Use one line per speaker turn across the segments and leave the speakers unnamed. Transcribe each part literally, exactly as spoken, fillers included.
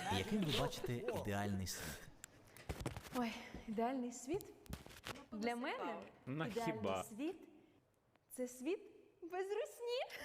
Яким ви бачите ідеальний світ?
Ой, ідеальний світ? Для мене
Ну,
ідеальний
хіба?
світ – це світ без русні.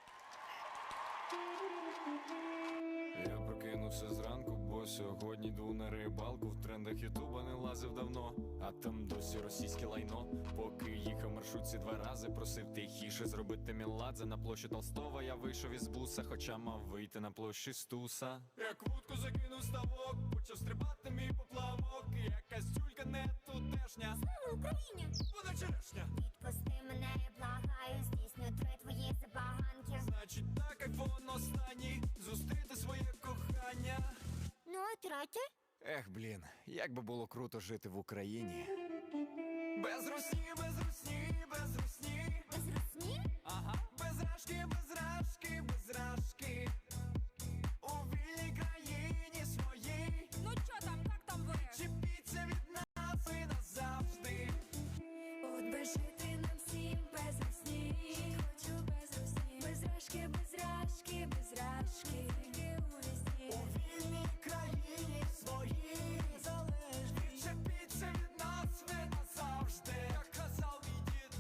Я прокинувся зранку, бо сьогодні йду на рибалку. В трендах ютуба не лазив давно, а там досі російське лайно. Поки їхав в маршрутці два рази, просив тихіше зробити меладзе. На площі Толстого я вийшов із буса, хоча мав вийти на площі Стуса. Як вудку закинув ставок, почав стрибати мій поплавок. Якась тюлька не тутешня.
Слава Україні!
Вона черешня.
Відпусти мене, я благаю, здійсню три твої забаганки.
Значить так, айфон останній, зустріти своє кохання.
Ну, а третє?
Ех, блін, як би було круто жити в Україні. Без русні, без русні, без русні.
Без русні?
Ага. Без рашки, без рашки, без рашки. У вільній країні своїй.
Ну чо там, як там ви?
Чіпіться від нас і назавжди.
От би жити нам всім без русні. Хочу без русні. Без рашки, без рашки, без рашки. Тільки у вісні.
У вільній країні своїй. Залежні. Чіпіться від нас ви назавжди. Як казав мій дід.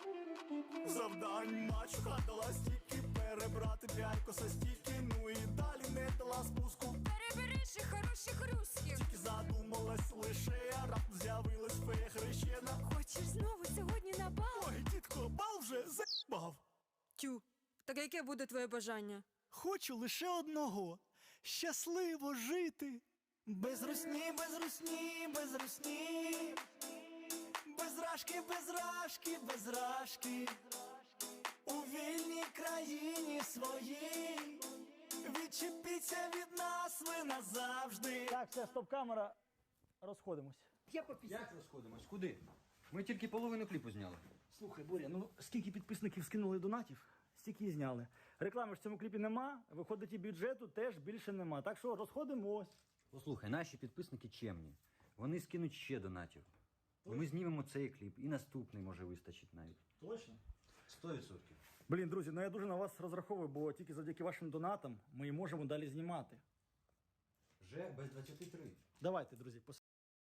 Завдань мачуха дала стільки, перебрати п'ять косостійки, ну і далі не дала спуску.
Перебери ще хороших русских.
Тільки задумалась лише, а раптом з'явилась фея хрещена.
Хочеш знову сьогодні на бал?
Ой, дідко, бал вже з**бав.
Тю, так яке буде твоє бажання?
Хочу лише одного – щасливо жити. Без русні, без русні, без русні. Без рашки, без рашки, без рашки. У вільній країні своїй. Відчепіться від нас ви назавжди.
Так, все, стоп-камера. Розходимось.
Як розходимось? Куди? Ми тільки половину кліпу зняли.
Слухай, Боря, ну скільки підписників скинули донатів, стільки і зняли. Реклами ж в цьому кліпі нема, виходить і бюджету теж більше нема. Так що розходимось.
Послухай, наші підписники чемні. Вони скинуть ще донатів. І ми знімемо цей кліп, і наступний може вистачить навіть.
Точно?
Сто відсотків.
Блін, друзі, ну я дуже на вас розраховую, бо тільки завдяки вашим донатам ми і можемо далі знімати.
Вже без двадцяти три.
Давайте, друзі, пос...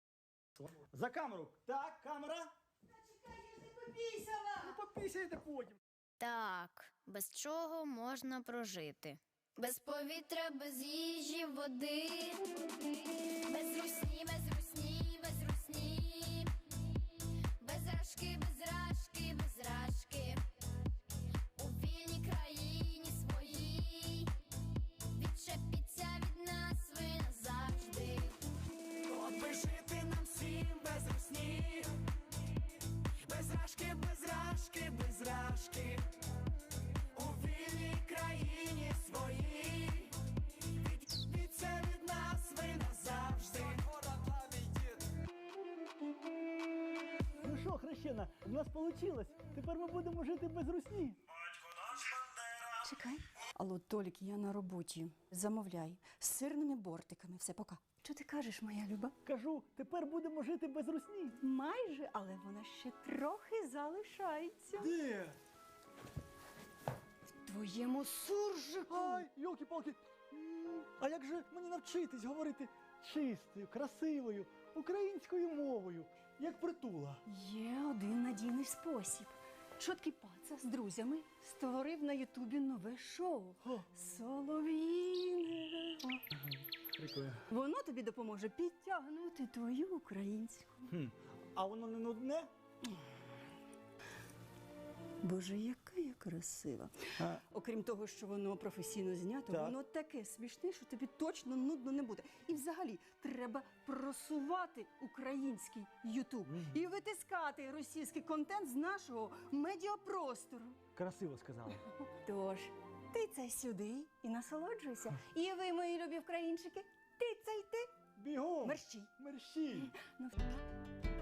За камеру. Так, камера.
Та чекай, я ж не попісяла!
Ну попісяйте потім.
Так, без чого можна прожити? Без повітря, без їжі, води. Без русні, без русні, без русні. Без рашки, без рашки, без рашки. У вільній країні своїй. Відчепіться від нас ви назавжди.
От би жити нам всім без русні. Без рашки, без рашки, без рашки. У вільній країні своїй. Відчепіться від нас ви назавжди.
Ну що, хрещена, в нас вийшло. Тепер ми будемо жити без русні.
Чекай. Алло, Толік, я на роботі. Замовляй. З сирними бортиками. Все, пока. Що ти кажеш, моя Люба?
Кажу, тепер будемо жити без русні.
Майже, але вона ще трохи залишається.
Де?
В твоєму суржику.
Ай, йолки-палки. М, А як же мені навчитись говорити чистою, красивою, українською мовою, як Притула?
Є один надійний спосіб. Чоткий паца з друзями створив на Ютубі нове шоу
О.
«Солов'їне».
Прикольно.
Воно тобі допоможе підтягнути твою українську.
Хм. А воно не нудне?
Боже, яка я красива.
А.
Окрім того, що воно професійно знято,
Так.
воно таке смішне, що тобі точно нудно не буде. І взагалі треба просувати український Ютуб і витискати російський контент з нашого медіапростору.
Красиво сказала.
Тож, тицяй сюди і насолоджуйся. І ви, мої любі українчики, тицяйте.
Бігом!
Мерщій.
Мерщій!
Ну,